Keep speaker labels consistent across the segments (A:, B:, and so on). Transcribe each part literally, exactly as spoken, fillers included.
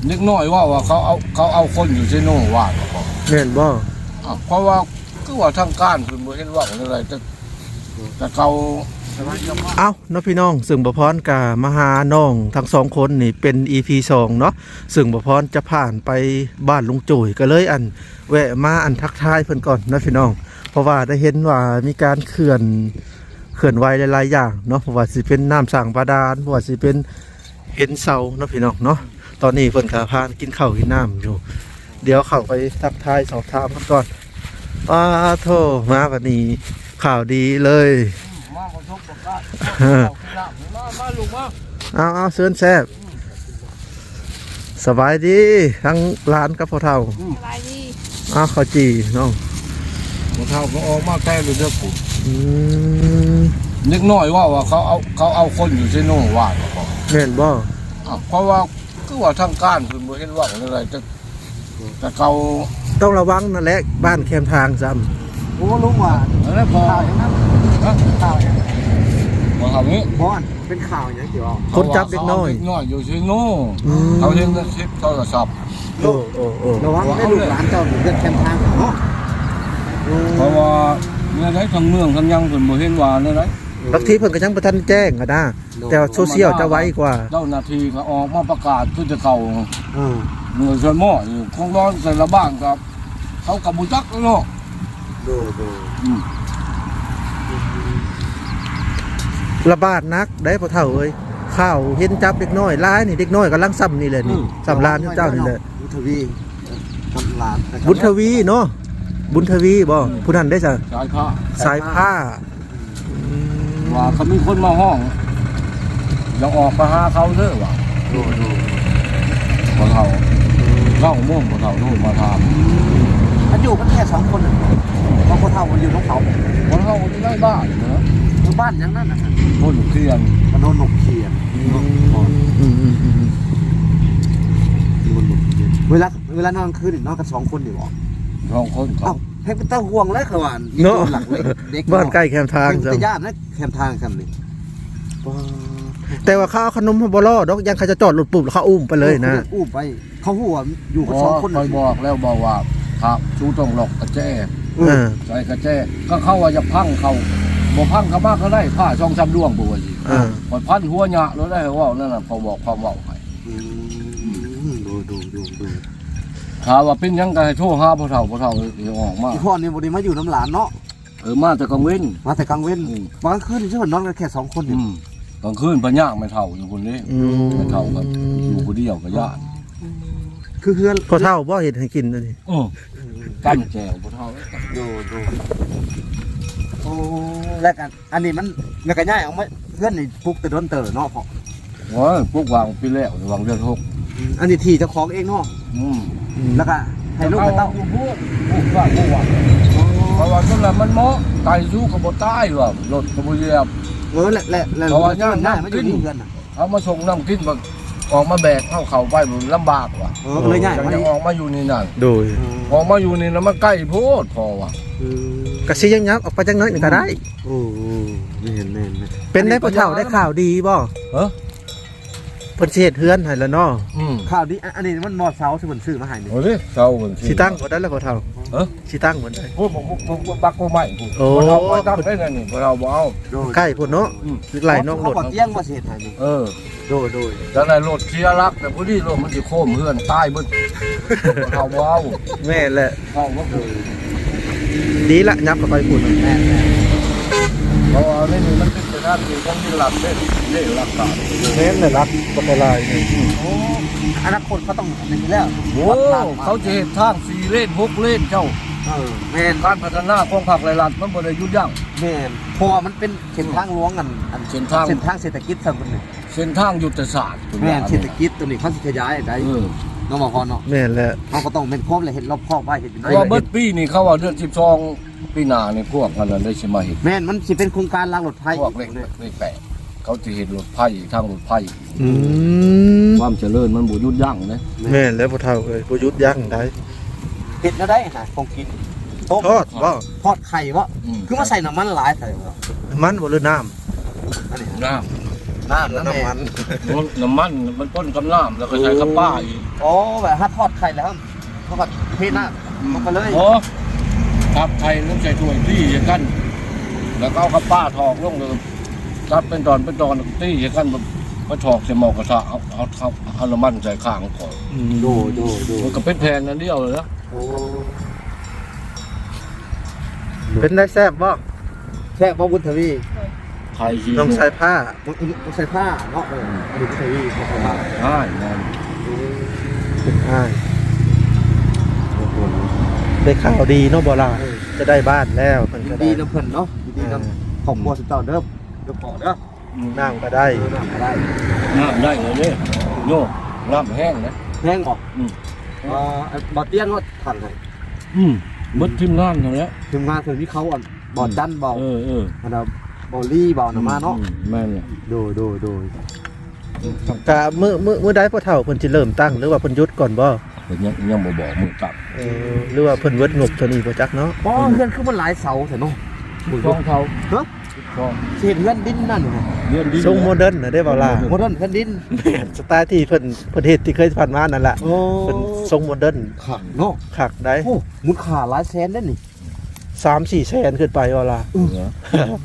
A: นิดน้อยว่าว่าเขาเอาเขาเอาคนอยู่ที่โน่ว่า
B: แม่นบ่
A: เพราะว่าคือว่าทางการคือบ่เห็นว่าอะไรแต่แต่เขา
B: เอ้าเนาะพี่น้องซึ่งบ่พรกะมาหาน้องทั้งสองคนนี่เป็น อี พี สองเนาะซึ่งบ่พรจะผ่านไปบ้านลุงโจยก็เลยอันแวะมาอันทักทายเพิ่นก่อนเนาะพี่น้องเพราะว่าได้เห็นว่ามีการเขื่อนเขื่อนไว้หลายๆอย่างเนาะเพราะว่าสิเป็นน้ำสร้างบาดาลเพราะว่าสิเป็นเห็นเสาเนาะพี่น้องเนาะตอนนี้เพิ่นก็พากินข้าวกินน้ำอยู่เดี๋ยวเข้าไปทักทายสอบถามเพิ่นก่อนอ้าโธ่มาบัดนี้ข่าวดีเลย
A: มาขอโทษบอกว่ามามาลุงมา
B: เอาเอาเชิญแซ่บสบายดีทั้งร้านกับพ่อเฒ่า
C: สบายดี
B: อ้าวข้าวจีน้อง
A: พ่อเฒ่าก็ออกมาแก้เลยเด้อปู่
B: อืม
A: นิดน้อยว่าว่าเขาเอาเขาเอาคนอยู่ที่โน่ว่า
B: แม่นบ่
A: เพราะว่าคือว่าทางการคือบ่เห็นว่าอะไรแต่แต่เขา
B: ต้องระวังนั่นแหละบ้านแคมทางซ้
D: โอ้ลุงว่า
A: แล้วพอ
D: ข่าวอย่างนั้นข่าวอย่าง
A: บ่ทำนี้
D: บอนเป็นข่าวอย่างเกี่ยว
B: คนจับเด็กน้อย
A: เด็กน้อยอยู่ที่โน่เขาเห็นในคลิปโทรศัพท์
B: โอ้โอ้โอ้
D: ระวังให้ลูกหลานเจ้าอยู่เรื่องแคมทางเนาะ
A: เพราะว่าเนี่ยได้ทางเมืองทางยังเพิ่นบ่เห็นว่าเนี่ยได้
B: บางทีเพิ่นก็ยังบ่ทันแจ้งก็ได้แต่โซเชียลจะไว้กว่า
A: เจ้าหน้าที่ก็ออกมาประกาศคือจะเข้า
D: เออ
A: เมืองชนหม้ออยู่คงร้อนใส่ละบ้านครับเขากับบ่จักเนาะ
D: ดูดู
A: อืม
B: ระบาดนักได้พ่อเฒ่าเอ้ยข้าวเห็นจับเด็กน้อยหลายนี่เด็กน้อยกำลังซ้ำนี่แหละนี่ซ้ำลานเจ้านี่แหละ
D: บุญทวีซ้ำลาน
B: บุญทวีเนาะบุญทวีบ่ผู้นั้นได้จ้ะ
A: สายผ้า
B: สายผ้า
A: ว่าเขามีคนมาห้องอย่าออกมาหาเขาเด้อว่ะ
D: ดูดู
A: พอเขาเล่าม่วงพอเขาโน่นมาทำ
D: มันอยู่กันแค่สองคนเพราะพ่อเฒ่ามันอยู่น้องเขา
A: พอเขาที่ได้บ้านเนอะ
D: บ้านยังนั่นน่ะ
A: โน่นเคียน
D: มันโดนหนกเคียนเวลาเวลานอนคืนนอนกันสองคนอยู่หรอ
A: สองคนเขา
D: ให้เป็นตาห่วงแล้วขวาน
B: เนาะบ้านใกล้แคมทาง
D: จ้ะญาตินะแคมทางกันนี่
B: แต่ว่าเขาเอาขนมมาบ่รอดอกยังเขาจะจอดรถปุ๊บแล้วเขาอุ้มไปเลยนะ
D: อุ้มไปเขาหัวอยู่กับสองคน
A: คอยบอกแล้วบอกว่าครับชูต้องหลอกกระแจใส่กระแจก็เข้าว่าจะพังเขาบ่พังเขามากก็ได้ผ้าช่องช้ำร่วงบ่ว่าอีกพอพันหัวหยะแล้วได้ว่านั่นน่ะพอบอกความว่าให้
D: ดูดูดูดู
A: ถามว่าเป็นยังไงโทษหาพ่อเฒ่าพ่อเฒ่าออกมา
D: พ่อนี่บ่ได้มาอยู่น้ำหลานเนาะ
A: เออมาแต่กลางเว้น
D: มาแต่กลางเว้นบางคืนที่เพิ่นนอนกันแค่สองคนอยู่
A: กลางคืนปัญญาไม่เฒ่าอยู่คนนี้ไม่เฒ่ากับอยู่คนเดียวกับญาติ
D: คือเฮือน
B: พ่อเฒ่าบ่เฮ็ดให้กินนี่
A: เออกั้นแจวพ่อเฒ่า
D: ดูดูโอ้แล้วกันอันนี้มันแล้วก็ย้ายออกมาเฮือนนี่ปลูกแต่โดนเตอเนาะพ่อ
A: โอ้ยปลูกวางปีแล้ววางเดือนหก
D: อันนี้ที่เจ้าของเองเนาะ
A: อืม
D: แล้วก็ให้ลูกกับเต้า
A: พูดพูดว่าพูดว่าเพราะว่าตอนนั้นมันเหมาะไก่สู้กับบ่ตายว่ารถกับบ่เหยียบ
D: เออแหละแหละเพราะว่าย่านได้ไม่อยู่นี่เฮือนน่ะ
A: เอามาส่งน้ำกินมาออกมาแบกเข้าเขาไปมันลำบากว่ะ
D: เออเลยง่าย
A: จะออกมาอยู่นี่นั่น
B: โดย
A: ออกมาอยู่นี่แล้วมันใกล้โพดพอว่ะ
B: กระซิยังยับออกไปจังน้อยหนึ่งก็ได้
D: โอ้ไม่เห็นแม่น
B: เป็นได้พ่อเฒ่าได้ข่าวดีบ่
A: เออ
B: เพิ่นสิเฮ็ดเฮือนให้แล้วเนาะ
D: ข่าวดีอันนี้มันมอเสาที่เพิ่นซื้อมาให้นี่
A: โอ้ยเสาเพิ่น
B: สิตั้งบ่ได้แล้วพ่อเฒ่า
A: เออ
B: สิตั้งบ่ได้
A: โอ้ผมผมปักบ่ใหม่พุ่นบ่เอาบ่ตั้งได้นั่นนี่บ่เอาบ่เอา
B: ใกล้พุ่นเนาะไหลน้องรถ
D: เขาบ่เตียงบ่สิเฮ็ดให้นี่
A: เออ
D: โดยโดย
A: จังได๋รถเสียหลักแต่ผู้นี้รถมันสิโค้มเฮือนตายเบิดเอาบ่เอา
B: แม่แหละ
A: เอาบ่คือ
B: ดีละยับเข้าไปพุ่นแม่
A: เพราะว่านี่มันเป็นสถานที่ของที่หลักเด้เด้หลักการ
B: แม่นน่ะรักบ่ได้ลายนี่
D: โอ้อนาคตเขาต้องอย่างนี้แล้ว
A: โอ้เขาจะเฮ็ดทางสี่เลนหกเลนเจ้า
D: เออแม่น
A: การพัฒนาของภาคหลายรัฐมันบ่ได้หยุดยั้ง
D: แม่นเพราะว่ามันเป็นเส้นทางหลวงกันอัน
A: เส้นทาง
D: เส้นทางเศรษฐกิจซะพุ่นนี่
A: เส้นทางยุทธศาสตร์
D: แม่นเศรษฐกิจตัวนี้เขาสิขยายได้เออน้องบ่พอเนาะ
B: แม่นแหละ
D: เขาก็ต้องเป็นครบเลยเฮ็ดรอบครอบไว้เฮ็ด
A: ได้ว่าเบิดปีนี่เขาว่าเดือนสิบสองปีหน้านี่พวกมันได้สิมาเฮ็ด
D: แม่นมันสิเป็นโครงการรางรถไฟ
A: พวกเล็กเลขแปดเขาสิเฮ็ดรถไฟทางรถไฟ
B: อืม
A: ความเจริญมันบ่หยุดยั้งเด้
B: แม่นแล้วพ่อเฒ่าเอ้ยบ่หยุดยั้งได้
D: เฮ็ดได้หาของกิน
B: ทอดบ่
D: ทอดไข่บ่คือมาใส่น้ำมันหลายใส่บ่
B: มันบ่หรือน้
A: ำอันนี้น้
D: น้ำน้ำมัน
A: น้ำมันมันต้นกำน้ำแล้วก็ใช้กับป้าอีก
D: อ๋อแบบฮัททอดไข่แล้วเขาก็เทน้ำลงไปเลย
A: โอ้ครับไทยต้องใช้ถ้วยตี้อย่างกันแล้วก็เอากับป้าถอกลงเลยตัดเป็นตอนเป็นตอนตี้อย่างกันมาถอกใส่หม้อกระทะเอาเอาเอาเอาน้ำมันใส่ข้างก่อน
D: ดูดูดู
A: มันก็เป็นแพนนั่นเดียวเลยนะ
D: โอ้
B: เป็นได้แซ่บบ่
D: แช่บ่บุญทวี
A: ไทยชี
B: ต้องใส่ผ้า
D: ต้องใส่ผ้าเนาะเออบุญทวีใส่ผ้า
A: ใช่นั่น
B: อ่าได้ข่าวดีเนาะบ่ล่ะจะได้บ้านแล้วเพิ่นก็
D: ดี
B: ได้
D: น้ำเพิ่นเนาะดีน้ำของบัวสุดเจ้าเด้อเด้อปอเด้อ
B: นั่งก็ได้
D: เออน้ำก็ได้
A: น้ำได้เลยเนี่ยโยกน้ำแห้งนะ
D: แห้งออก
A: อืม
D: เอ่อบ่เตี้ยนว่าทันให้
A: อืมมดทิมน้ำเท่านี้
D: ถึงงานถึงที่เขาอ่ะบ่อจันบ่อ
A: เออเออ
D: อันน่ะบ่อลี่บ่อน่ะมาเนาะ
A: อืแม่นเนี่ย
D: ดูดูดู
B: กะมื้อมื้อมื้อใดพ่อเฒ่าเพิ่นสิเริ่มตั้งหรือว่าเพิ่นหยุดก่อนบ่
A: แต่ยังยังบ่บอกมึงกลับ
B: เออหรือว่าเพิ่นเวิดงบเท่านี้บ่จักเนาะ
D: บ่เฮือนคือมันหลายเสาแท้เนาะ
A: ช่องเขา
D: ฮะ
A: ช่อง
D: สิเฮ็ดเฮือนดินนั่นน่ะ
A: เรียนดี
B: ทรงโมเดิร์นน่ะได้บ่ล่ะ
D: โมเดิร์นเฮือนดิน
B: แม่นสไตล์ที่เพิ่นเพิ่นเฮ็ดที่เคยผ่านมานั่นล่ะ
D: โอ้
B: เพิ่นทรงโมเดิร์น
D: ขังเนาะ
B: คักได้
D: โอ้มูลค่าหลายแสนเด้อนี่
B: สามสี่แสนขึ้นไปบ่ล่ะ
A: เหรอ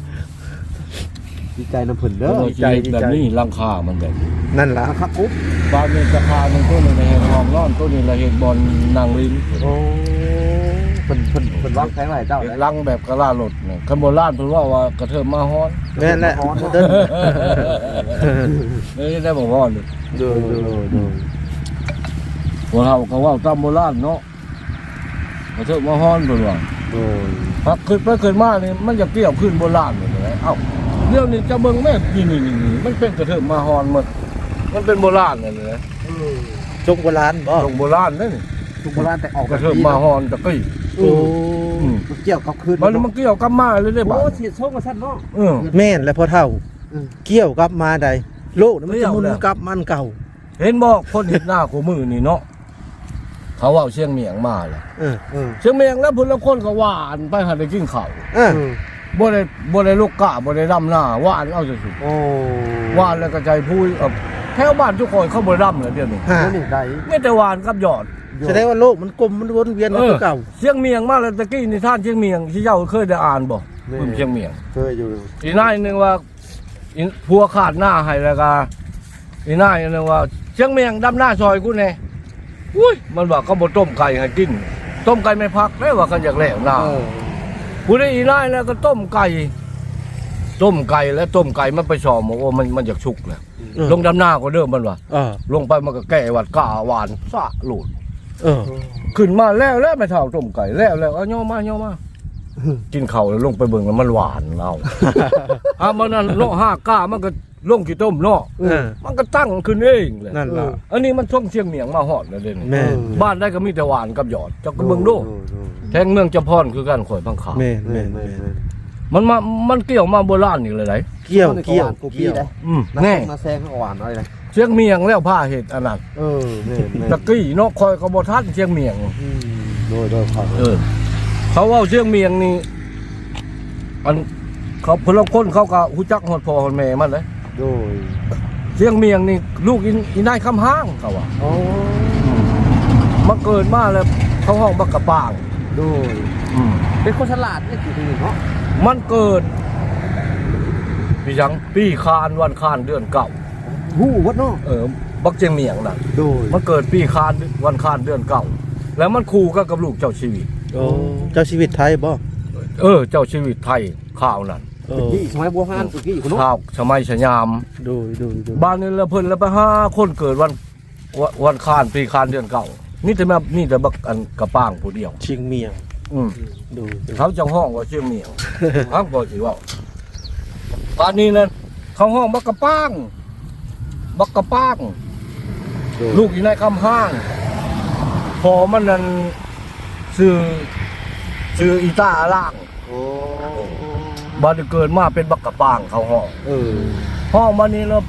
D: ดีใจนำเพิ่น
A: เอ
D: เด้อ
A: อใจแบบนี้ราคามันแบบ
B: นั่นล่ะ
D: นะครับอุ๊บ
A: บ้านเนี่ยราคาหนึ่งตัวหนึงในเห็นห้องนอนตัวนี้ละเห็นบอลนางริม
D: โอ้เพิ่นเพิ่นเพิ่นวางแผนไว้ให้เจ้าได้
A: ลังแบบกระลารถเนี่ยคันโบราณเพิ่นว่าว่ากระเทิมมาฮ้อน
B: แม่นแหละโมเดิร์น
A: เอ้ยได้บอกฮ้อนเลย
D: ดูดูดู
A: พวกเราก็เว่าตามโบราณเนาะกระเทิมมาฮ้อนเพิ่นว่า
D: ดู
A: พักขึ้นไปขึ้นมานี่มันจะเกี่ยวขึ้นโบราณนี่เลยเอ้าเรื่องนี้จะเบิ่งแม่นี่นี่นี่นี่มันเป็นกระเทิมมาฮ้อนหมดมันเป็นโบราณนี่เลย
B: จงโบราณบ่
A: ตรงโบราณนั่นนี่
D: ทุกโบราณแต่ออก
A: กระเทิมมาฮ้อนตะกี้
B: โอ้
A: อืม
D: มันเกี่ยวกับคืน
A: มันมันเกี่ยวกับมาเลยได้บ่า
D: โอ้เสียโชคกับฉันเนาะ
A: เออ
B: แม่นและพ่อเฒ่า
D: อืม
B: เกี่ยวกับมาใดโลกนี่มัน
A: เกี่
B: จะ
A: ยว
B: หมุน
A: แล้ว
B: กลับมันเก่า
A: เห็นบอกคนเห็นหน้ากูมือนี่เนาะเขาว่าเชียงเมียงมาแหละ
B: เออ
D: เออ
A: เชียงเมียงแล้วพุ่นละคนก็หวานไปหาได้กินข้าว
B: เออ
D: เออ
A: บ่ได้บ่ได้ลูกกะบ่ได้ดำหน้าหวานเอาจังซี่
D: โอ้
A: หวานแล้วก็ใจพูยเอ่อแถวบ้านทุกคนเขาบ่ได้ดำเลยเดี๋ยวนี้
B: ฮะ
D: แล้วนี่ได้
A: มีแต่หวานกับหยอด
B: แสดงว่าโลกมันกลมมันวนเวียนมาคือเก่า
A: เชียงเมียงมาแล้วตะกี้นิทานเชียงเมียงที่เจ้าเคยได้อ่านบ่เพิ่นเชียงเมียง
D: เคยอยู่
A: อีนายนึงว่าอีผัวขาดหน้าให้แล้วก็อีนายนึงว่าเชียงเมียงดำหน้าซอยกูแน่อุ้ยมันว่าก็บ่ต้มไก่ให้กินต้มไก่ไม่พักได้ว่ากันอยากแล้วหน้า
D: เออ
A: ผู้ได้อีนายแล้วก็ต้มไก่ ต้มไก่แล้วต้มไก่มันไปชอมโอ้มันมันอยากชุกแล้ว
B: เออ
A: ลงดำหน้าก็เดิมมันว่า
B: เออ
A: ลงไปมันก็แก่หวัดก้าหวานสะหลุด
B: เออ
A: ขึ้นมาแล้วแล้วไม่เท่าต้มไก่แล้วแล้วเอาย่อมาย่อมากินข้าวแล้วลงไปเบิ่งแล้วมันหวานเราอ่ะมันนั่นโลห้าก้ามันก็ลงกี่ต้มเนาะ
B: เออ
A: มันก็ตั้งขึ้นเองเลย
B: นั่นล่ะ
A: อันนี้มันช่วงเชียงเมียงมาหอดแล้วเด่น
B: แม่น
A: บ้านได้ก็มีแต่หวานกับหยอดเจ้าก็เบิ่งดู
D: ดูดู
A: แทงเมืองจะพรคือกันข่อยบางขาว
B: แม่น
D: แม่
B: แม่น
D: แม่
B: แม่น
A: มันมามันเกี่ยวมาโบราณนี่เลยไหน
B: เกี่ยวเกี่ยว
D: กู
B: เกี่ยว
D: ได้
A: อืม
D: แน่
A: แน่
D: มาแซงหวานอะไรนะ
A: เชียงเมียงแล้วผ้าเห็ดอันนั้น
D: เออแม่แม่
A: ตะกี้เนาะคอยกบทันเชียงเมียง
D: อืมโดยโดยครับ
A: เออ เขาเอาเชียงเมียงนี่อันเขาพลคนเขาก็หูจักฮอดพ่อฮอดแม่มันเลย
D: โดย
A: เชียงเมียงนี่ลูกอินอินนายคำห้างเขาว่า
D: โอ้
A: มาเกิดมาแล้วเขาห้องบักกะปาง
D: โดย
A: อืม
D: เป็นคนฉลาดเนี่ยคือเนาะ
A: มันเกิดปีหยังปีคานวันคานเดือนเก่า
D: หูวัดเนาะ
A: เออบักเชียงเมียงน่ะ
D: โดย
A: มันเกิดปีคานวันคานเดือนเก่า แล้วมันคู่กันกับลูกเจ้าชีวิต
B: โอ้เจ้าชีวิตไทยบ่
A: เออ เจ้าชีวิตไทยข้าวนั่น
B: เอ
D: ตะ
B: อ
D: กี้สมัยบัวฮานตะกี้อยู่เนาะ
A: ข้าวสมัยชยาม
B: ดูดูดู
A: บ้านนี้ละเพิ่นละไปห้าคนเกิดวันวันวันคานปีคานเดือนเก่านี่แต่แม่นี่แต่บักอันกระป้างผู้เดียว
B: เชียงเมียง
A: อืม
B: ดูดู
A: เขาจังห้องว่าเชียงเมียง ห้างบ่สิเว่าบ้านนี้นั่นเขาห้องบักกระป้างบักกระป้าง
D: โดย
A: ลูกอยู่ในคำห้าง พอมันนั่นซื้อซื้ออีตาล่าง
D: โอ้
A: บ้านนี้เกิดมาเป็นบักกระป้างเขาห้อง
D: เออ
A: ห้องมานี้แล้ว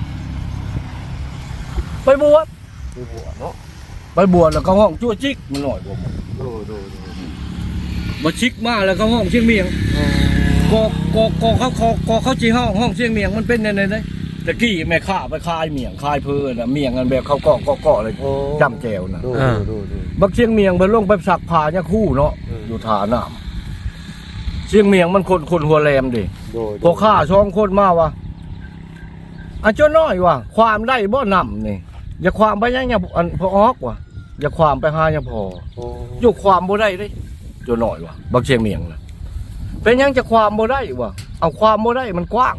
A: ไปบวช
D: คือบัวเนาะ
A: ไปบวชแล้วก็ห้องชั่วจิกมันหน่อยผม
D: โดยโดย
A: มาชิกมาแล้วก็ห้องเชียงเมียงก็ก็ก็เขาเขาก็เขาจีห้องห้องเชียงเมียงมันเป็นในในในแถตะกี้แม่ข้าไปคายเมียงคายเพิ่นน่ะเมียงกันแบบเขาเกาะเกาะๆเลยจำแจวน่ะ
D: ดูดูดู
A: บักเชียงเมียงเพิ่นลงไปสักผ้าเนี่ยคู่เนาะอยู่ฐานน้ำเชียงเมียงมันคนคนหัวแหลมดิพอข้าช่องคนมาว่ะอาเจ้าน้อยว่ะความได้บ่นำนี่อย่าความไปยังอย่าอันพอออกว่ะอย่าความไปหาอย่าพออยู่ความบ่ได้เด้เจ้าน้อยว่ะบักเชียงเมียงน่ะเป็นยังจะความบ่ได้ว่ะเอาความบ่ได้มันกว้าง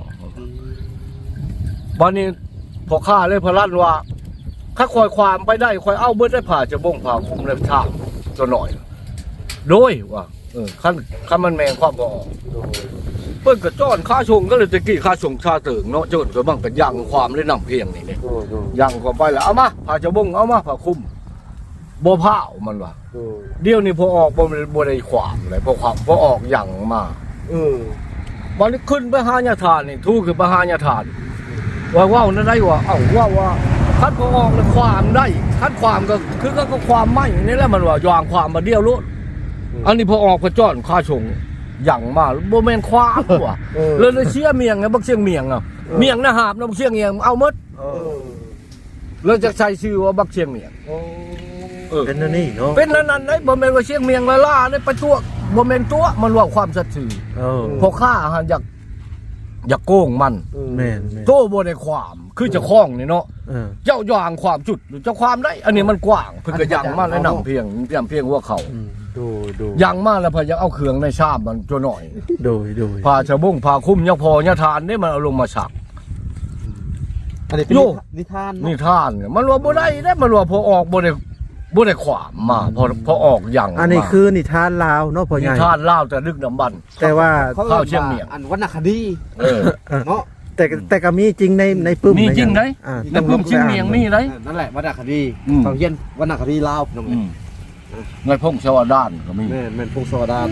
A: วันนี้พอข้าเลยพลันว่าถ้าคอยความไปได้คอยเอาเบิดได้ผ่าจะบ่งผ่าคุมเลยท่าเจ้าน้อยโดยว่ะเออขั้นขั้นมันแมงความบ่ออกเปิ้นกระจ้อนข้าชงก็เลยตะกี้ข้าชงชาเติงเนาะเจิดก็บังกันยังความเลยนำเพียงนี่นี่ยังความไปแล้วเอามาผ่าจะบ่งเอามาผ่าคุมบ่ผ้ามันว่ะเดี๋ยวนี้พอออกบ่บ่ได้ความเลยพอความพอออกยังมาเออวันนี้ขึ้นไปหาญาทานนี่ทูคือไปหาญาทานว่าว้าวนั่นได้ว่าเอ้าว่าว่าคัดพอออกเลยความได้คัดความก็คือก็ความไม่นี่แหละมันว่ายางความมาเดียวโลดอันนี้พอออกกระจ้อนข้าชงอย่างมาบ่แม่นความว่ะเลยเลยเชี่ยเมียงไงบักเชียงเมียงอ่ะเมียงนะหาบนะบักเชียงเมียงเอาหมดเลยจะใช้ชื่อว่าบักเชียงเมียง
B: เป็นนั่นนี่เนาะ
A: เป็นนั่นนั่นได้บ่แม่นว่าเชียงเมียงละล่าได้ไปตัวบ่แม่นตัวมันว่าความสัตย์ซื่อพอข้าหันอยากอยากโกงมัน
B: แม่น
A: โตบ่ได้ความคือจะคล้องนี่เนาะเจ้ายางความจุดเจ้าความได้อันนี้มันกว้างเพิ่นก็ยังมาแล้วนำเพียงเพียงเพียงหัวเขา
B: ดูดู
A: ยังมาแล้วพะยังเอาเครื่องในชามมันตัวหน่อย
B: ดูดู
A: พาชะบุ้งพาคุ้มยังพอยังทานได้มันเอาลงมาฉัก
D: อันนี้เป็นนิทาน
A: นิทานมันว่าบ่ได้ได้มันว่าพอออกบ่ได้บ่ได้ขวามมาพอพอออกอย่าง
B: อันนี้คือนิทานลาวเนาะพ่อใหญ่
A: นิทานลาวแต่ลึกน้ำบัน
B: แต่ว่า
A: ข้าวเชียงเมียง
D: อันวรรณคดีเออเนาะ
B: แต่แต่ก็มีจริงในในปึ้ม
A: มีจริงไหมในปึ้มเชียงเมียงมีไหม
D: นั่นแหละวรรณคดีเขาเขียนวรรณคดีลาวน้อง
A: เงินพงชวดานก็มี
D: แม่แม่พงชวดาน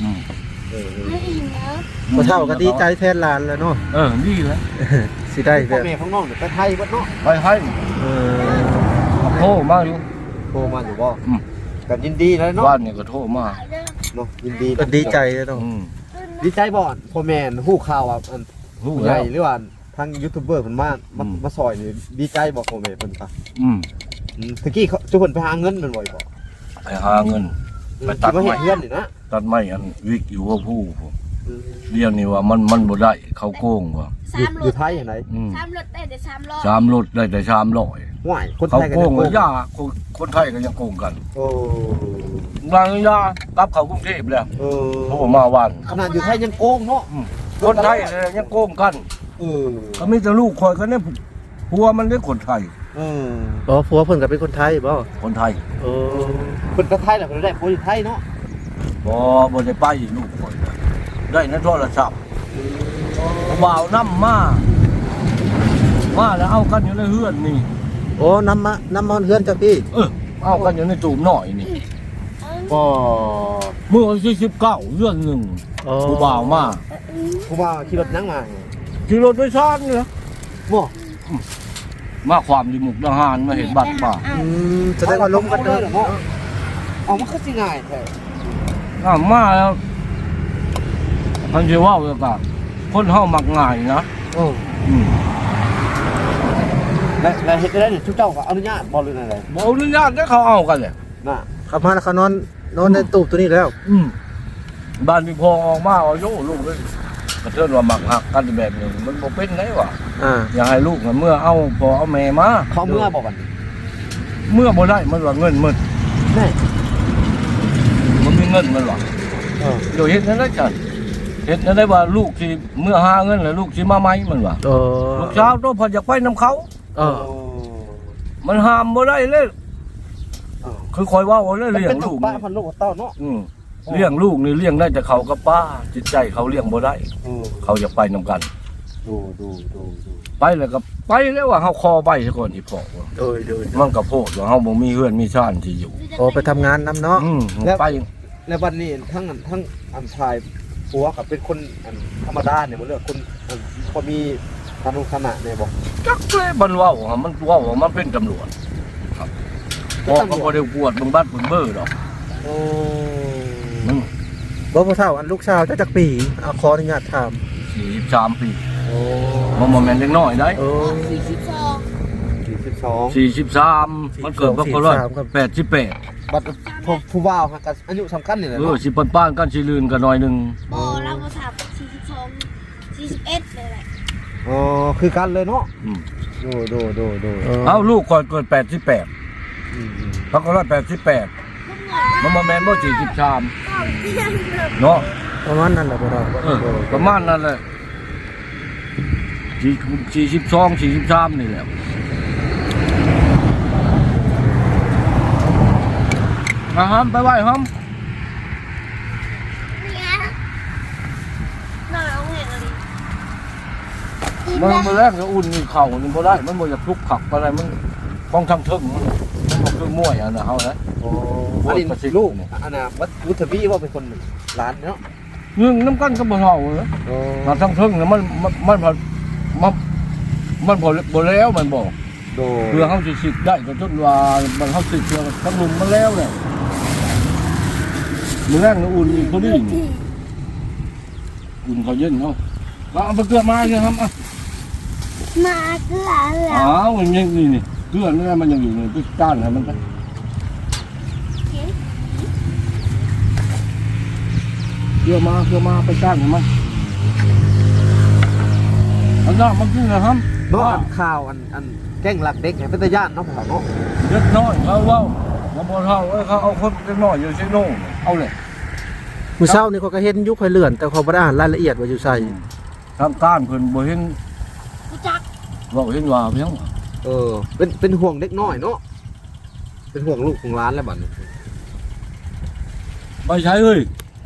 B: พอเท่าก็ดีใจแทนหลานแล้วเนาะ
A: เออดีแล้ว
B: สิได้
D: แบบแม่ของน้องไปไทยวัดเนาะ
A: ไปไทยเออโทรมาอยู่
D: โทรมาอยู่บ่กันยินดีเลยเนาะ
A: บ้านนี่ก็โทรมา
D: เนาะยินดี
B: ก็ดีใจเลยเนาะ
D: ดีใจบ่อนพ่อแม่ฮู้ข่าวอ่ะฮู้ใหญ่หรือว่าทางยูทูบเบอร์เพิ่นมามาซอยนี่ดีใจบ่พ่อแม่เพิ่นปะอืมตะกี้เขาทุกคนไปหาเงินมันบ่อยบ่
A: ไปหาเงินไปตัดไม้
D: เฮือนนี่นะ
A: ตัดไม้อันวิกอยู่ว่าผู้เรียกนี่ว่ามันมันบ่ได้เขาโกงว่า
D: อยู่ไทยจังได๋
C: สามรถได้แต่สามร้อย
A: สามรถได้แต่สามร้อย
D: ห่วย
A: คนไทยก็ยังโกงยาคนไทยก็ยังโกงกันโอ้บางยารับเขากรุงเทพแล้วเออโทรมาวัน
D: ขนาดอยู่ไทยยังโกงเนาะ
A: คนไทยยังโกงกันเออก็มีแต่ลูกคอยกันเนี่ยผัวมันได้คนไทย
B: เอออ๋อผัวเพิ่นก็เป็นคนไทยบ่
A: คนไทย
D: เออเพิ่นก็ไทยแหละเพิ่นได้ผัวอยู่ไทยเนาะ
A: บ่บ่ได้ไปลูกคอยได้ในโทรศัพท์บ่าวน้ำมามาแล้วเอากันอยู่ในเฮือนนี่
B: โอ้น้ำมาน้ำมันเฮือนจ้ะพี่
A: เออเอากันอยู่ในตูมหน่อยนี่ก็เมื่อวันที่สิบเก้าเดือนหนึ่งผู้บ่าวมา
D: ผู้บ่าวขี่รถนั่งมา
A: ขี่รถไปซ่อนเนี่ย
D: บ่
A: มาความดีมุกดาหารมาเห็นบัตรป่า
B: แสดงว่าล้มกันเด้อ
D: เอามันคือสิง่ายแท้
A: อ่ามาแล้วมันจะว่าเลยกันคนเฮามักง่ายนะ
D: เออแล้วแล้วเฮ็ดได้นี่ทุกเจ้าก็อนุญาตบ่หรืออะไร
A: บ่อนุญาตได้เขาเอากันเลย
D: น่ะ
B: ขับมาแล้วเขานอนนอนในตู้ตัวนี้แล้ว
A: อืมบ้านพี่พอออกมาเอาโยลูกเลยกระเทือนว่ามักหักกันแบบนี้มันบ่เป็นไงวะอ่าอยากให้ลูกเมื่อเอาพอเอาแม่มา
D: เขาเมื่อบ่บัด
A: เมื่อบ่ได้มันว่าเงินมึน
D: แน่
A: มันมีเงินมันว่าเออเดี๋ยวเฮ็ดนั่นได้จังเฮ็ดนั่นได้ว่าลูกสิเมื่อหาเงินแล้วลูกสิมาใหม่มันว่าเออลูกสาวโตพออยากไปนำเขาเออมันห้ามบ่ได้เลยคือคอยว่าว่าเลี้ยงลูก
D: ป้าพันลูกเต้าเนาะ
A: เลี้ยงลูกนี่เลี้ยงได้แต่เขากับป้าจิตใจเขาเลี้ยงบ่ได้เขาอยากไปนำกัน
D: ดูดูดู
A: ไปแล้วก็ไปแล้วว่าเฮาคอไปซะก่อนอีพ่อ
B: โดยโดย
A: มันก็โพดว่าเฮาบ่มีเฮือนมีชานที่อยู่
B: โอ้ไปทำงานนำเนาะ
A: แล้วไป
D: แล้ววันนี้ทั้งทั้งอันชายผัวกับเป็นคนธรรมดาเนี่ยบ่เลือกคนพอมีฐานุขณะเนี่ยบ่
A: จักเลยมันเว้ามันเว้ามันเป็นตำรวจครับพ่อเขาบ่ได้กวดเบิ่งบัดเบิ่งเบ้อดอกโอ้
B: บ่พ่อเฒ่าอันลูกสาวจักปีขออนุญาตถาม
A: สี่สิบสามปี
B: โอ้
A: บ่บ่แม่นเด็กน้อยได้
B: โอ้
C: สี่สิบสอง
D: สี่สิบสอง
A: สี่สิบสามมันเกิดบ่ก็ร้อยแปดสิบแปด
D: บัดผู้ผู้บ่าวฮะก็อายุสำคัญนี่แหละ
A: เออ
D: เนาะ
A: สิป้านๆกันสิลื่นกันหน่อยหนึง
C: บอเราก็ถามสี่สิบสองสี่สิบเอ็ดเลยแหละ
D: อ๋อคือกันเลยเนาะ
A: อืม
D: โดโดโดโด
A: เอ้าลูกก่อนเกิดแปดสิบแปด
D: อืมอืม
A: เขาก็ร้อยแปดสิบแปด
C: ลูกหน่อย
A: มันบ่แม่นบ่สี่สิบสาม
C: ต่อเที่ยงเลย
A: เนาะ
B: ประมาณนั้นแหละบ่ดอก
A: เออประมาณนั้นแหละสี่สี่สิบสองสี่สิบสามนี่แหละมาห้ามไปไหว้ห้าม
C: เนี่ยน่าเอาเห็นอะไร
A: มันมาแรกจะอุ่นนี่เข่านี่บ่ได้มันบ่อยากทุกขักอะไรมันของทางเทิงมันมันบ่คือมวยอ่ะนะเฮานะ
D: โอ้อันนี้ลูกอันน่ะวัดวุฒิวีว่าเป็นคนร้านเนาะ
A: ยึงน้ำกันก็บ่เฮาเด้อ
D: โอ้
A: มาทางเทิงน่ะมันมันมันมันมันมันบ่บ่แล้วมันบ่
D: โด
A: เพื่อเฮาสิสิได้ก็จนว่ามันเฮาสิเพื่อทั้งลุมมันแล้วเนี่ยมื้อแรกน่ะอุ่นอีกพอดีนี่อุ่นเขาเย็นเนาะเอาไปเกลือมาเลยครับอ่ะ
C: มาเกลือแล้ว
A: อ้าวมันยังนี่นี่เกลือนี่มันยังอยู่นี่ไปก้านให้มันไปเกลือมาเกลือมาไปก้านให้มันอันนั้นมันกินนะครับ
D: เนาะอันข่าวอันอันแกล้งหลักเด็กให้เป็นตาญาติเนาะพ่อเนาะ
A: เล็กน้อยเขาเว้าแล้วพอเท่าเอ้ยเขาเอาคนเล็กน้อยอยู่เชียงโน่นเอาเลย
B: มื้อเช้านี่เขาก็เห็นอยู่ค่อยเลื่อนแต่เขาบ่ได้อ่านรายละเอียดว่าอยู่ไส
A: ทำก้านเพิ่นบ่เห็น
C: รู้จัก
A: บ่เห็นว่าเพียง
D: เออเป็นเป็นห่วงเด็กน้อยเนาะเป็นห่วงลูกของร้านแล้วบัดนี้
A: ไม่ใช่เอ้ย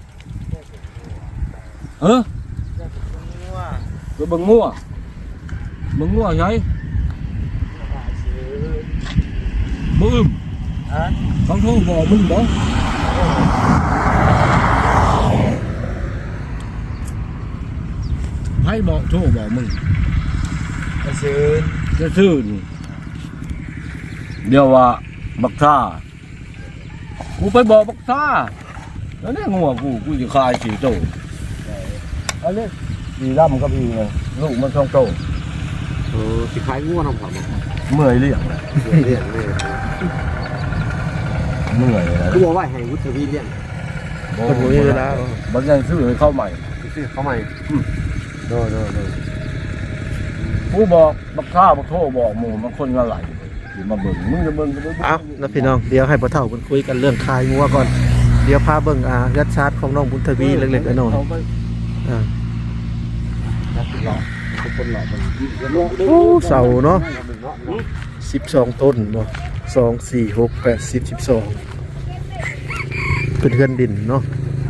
A: เออไปเบิ่งมั่วเบิ่งมั่วใช่บ่อึมเขาโทรบอกมึงบ่ให้บอกโทรบอกมึง
D: ซื้อ
A: จะซื้อนี่เดี๋ยวว่าบักท่ากูไปบอกบักท่าแล้วเนี่ยงัวกูกูจะขายสี่โตอันนี้สีดำก็มีเลยลูกมันช่องโต
D: เออสิขายงัวน้ำผักเนาะ
A: เมื่อยเรียงเลย
D: เลี้ยงเลย
A: เมื่อยเลย
D: คือบอกว่าให้วุฒิวีเลี้ยง
B: เพิ่นบ่มีเวลา
A: บางอย่างซื้อให้เข้าใหม่
D: ซื้อเขาใหม่โดยโดยโดย
A: กูบอกบักท่าบักโทบอกหมู่มันคนละไหลอยู่มาเบิ่งมึงจะเบิ่งก็เบิ่ง
B: เอ้านะพี่น้องเดี๋ยวให้พ่อเฒ่าเพิ่นคุยกันเรื่องคายงัวก่อนเดี๋ยวพาเบิ่งอ่ายัดชาร์จของน้องบุญทวีเล็กๆน้อยๆอ่า
D: หล่อเป็นคนหล่อมัน
B: โอ้เสาเนาะสิบสองต้นบ่สอง สี่ หก แปด สิบ สิบสองเป็นเฮือนดินเนาะ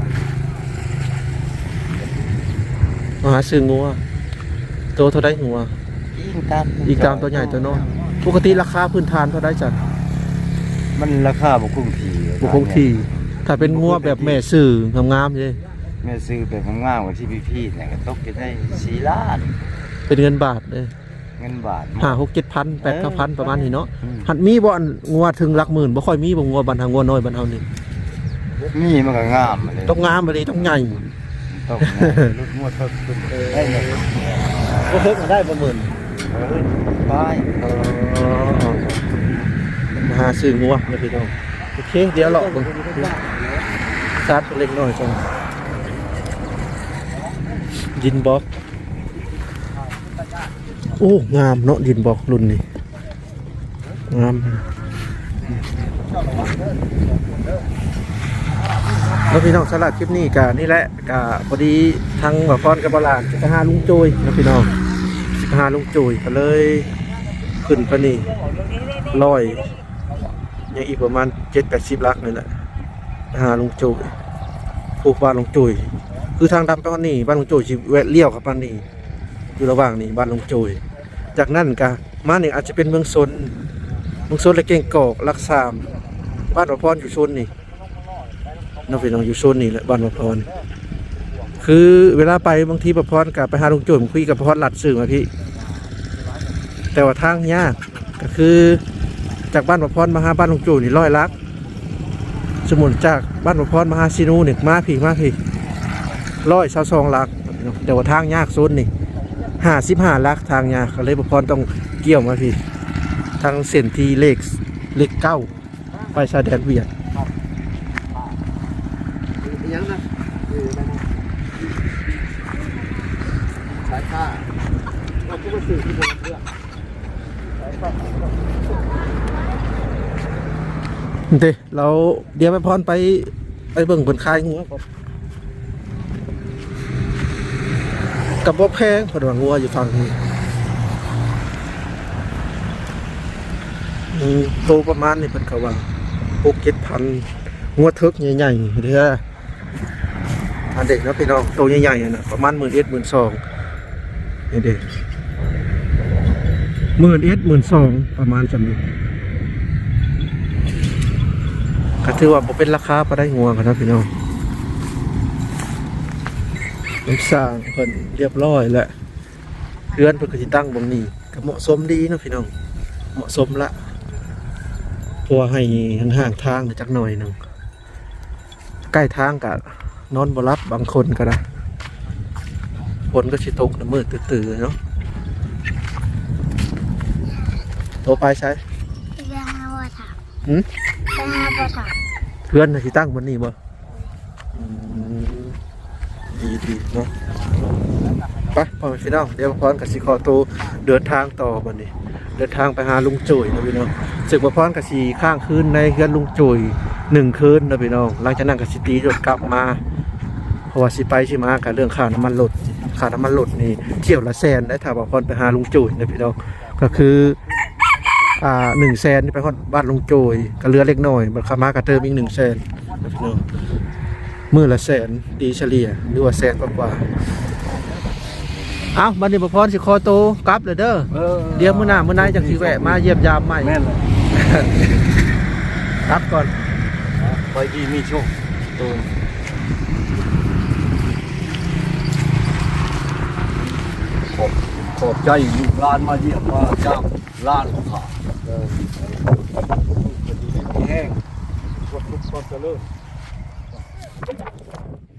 B: มาหาซื้องัวโตเท่าใดงัวอีกตามตัวใหญ่ตัวน้อยปกติราคาพื้นฐานเท่าใดจ้ะ
E: มันราคาบ่คุ้มที
B: บ่คงที่ถ้าเป็นงัวแบบแม่ซื้องามๆเลย
E: แม่ซื้อแบบงามๆกว่าที่พี่ๆเนี่ยก็ตกจะได้สี่ล้าน
B: เป็นเงินบาทเลย
E: เงินบาท
B: ห้า หก เจ็ดพันแปด เก้าพันประมาณนี้เนาะ
E: อืม
B: หัดมีบ่อันงัวถึงหลักหมื่นบ่ค่อยมีบ่งัวบันทางงัวน้อยบันเฮานี่
E: มีมันก็งามมาเลย
B: ต้องงามบ่ดีต้องใหญ่
E: ต้องรถงวดเพิ่มขึ้นได้เลย
B: บ่เพิ่มมาได้บ่หมื่น
E: เออไป
B: เออมาหาซื้องัวนะพี่น้องโอเคเดี๋ยวเลาะเบิ่งชาร์จเล็กน้อยก่อนดินบล็อกโอ้งามเนาะดินบล็อกรุ่นนี้งามแล้วพี่น้องสลัดคลิปนี้กะนี่แหละกะพอดีทางบ่พรกับบาลานจะไปหาลุงโจยนะพี่น้องจะไปหาลุงโจยก็เลยขึ้นไปนี่ร้อยยังอีกประมาณเจ็ดแปดสิบลักนี่แหละไปหาลุงโจยผูกบ้านลุงโจยคือทางดำไปวันนี้บ้านลุงโจยสิแวะเลี้ยวกับบ้านนี้อยู่ระหว่างนี้บ้านลุงโจยจากนั้นกะมานี่อาจจะเป็นเมืองซนเมืองซนและเก่งกอกลักสามบ้านบ่พรอยู่โซนนี่น้องพี่น้องอยู่โซนนี่แหละบ้านบ่พรคือเวลาไปบางทีบ่พรกับไปหาลุงโจยคุยกับบ่พรลัดสื่อมาพี่แต่ว่าทางยากก็คือจากบ้านบ่พรมาหาบ้านลุงโจยนี่ร้อยลักสมุนจากบ้านบ่พรมาหาซีนูนี่มาพี่มาพี่ร้อยเศร้าสองลักแต่ว่าทางยากโซนนี่ห้าสิบห้าลักทางยาก็เลยบ่พรต้องเกี่ยวมาพี่ทางเส้นที่เลขเลขเก้าไปชายแดนเวียด
D: ยังนะคืออะไรนะสายผ้าเราก็มาสื่อที่บนเรือสายผ้า
B: เด้เราเดี๋ยวไปพรไปไปเบิ่งเพิ่นคายงัวก่อนกับบ่แพงเพิ่นว่างัวอยู่ฝั่งนี้อืมโตประมาณนี้เพิ่นก็ว่าหกเจ็ดพันงัวเทิกใหญ่ๆเด้ออันเด็กเนาะพี่น้องโตใหญ่ๆน่ะประมาณ หนึ่งหมื่นเอ็ด หนึ่งหมื่นสองพัน นี่เด้ หนึ่งหมื่นเอ็ด หนึ่งหมื่นสองพัน ประมาณจำนี้ก็ถือว่าบ่เป็นราคาบ่ได้งัวกันนะพี่น้องมันสร้างเพิ่นเรียบร้อยแล้วเรือนเพิ่นก็สิตั้งบ่งนี้ก็เหมาะสมดีเนาะพี่น้องเหมาะสมละเพราะว่าให้ห่างๆทางจักหน่อยหนึงใกล้ทางก็นอนบ่หลับบางคนก็ได้ฝนก็สิตกน้ำมืดตื่นๆเนาะโทรไปใช้
C: ไปหาบ่ถาม
B: หืม
C: ไปหาบ่ถาม
B: เพื่อนน่ะสิตั้งบนนี้บ่อืมดีดีเนาะไปพ่อแม่พี่น้องเดี๋ยวพรกับสิขอตัวเดินทางต่อบัดนี้ เดินทางไปหาลุงจุ๋ยนะพี่น้องสึกบ่พรกับสิข้างคืนในเฮือนลุงจุ๋ยหนึ่งคืนนะพี่น้องหลังจากนั้นก็สิตีรถกลับมาเพราะว่าสิไปสิมากับเรื่องค่าน้ำมันรถค่าน้ำมันรถนี่เที่ยวละแสนได้ถ้าบ่พรไปหาลุงจุ๋ยนะพี่น้องก็คืออ่าหนึ่งแสนนี่ไปฮอดบ้านลุงโจยก็เหลือเล็กน้อยบัดคามากระเติมอีกหนึ่งแสนพี่น้องมื้อละแสนดีเฉลี่ยหรือว่าแสนกว่าๆเอ้าบัดนี้บ่พรสิขอโตวกลับเลยเด้อ
A: เออ
B: เดี๋ยวมื้อหน้ามื้อไหนจังสิแวะมาเยี่ยมยามใหม่
A: แม่นเลย
B: กลับก่อน
A: ไปดีมีโชคตัวขอบขอบใจลูกหลานมาเยี่ยมมาจ้างหลานของข้าเออแห้ง
D: กดทุกคนจะเลิก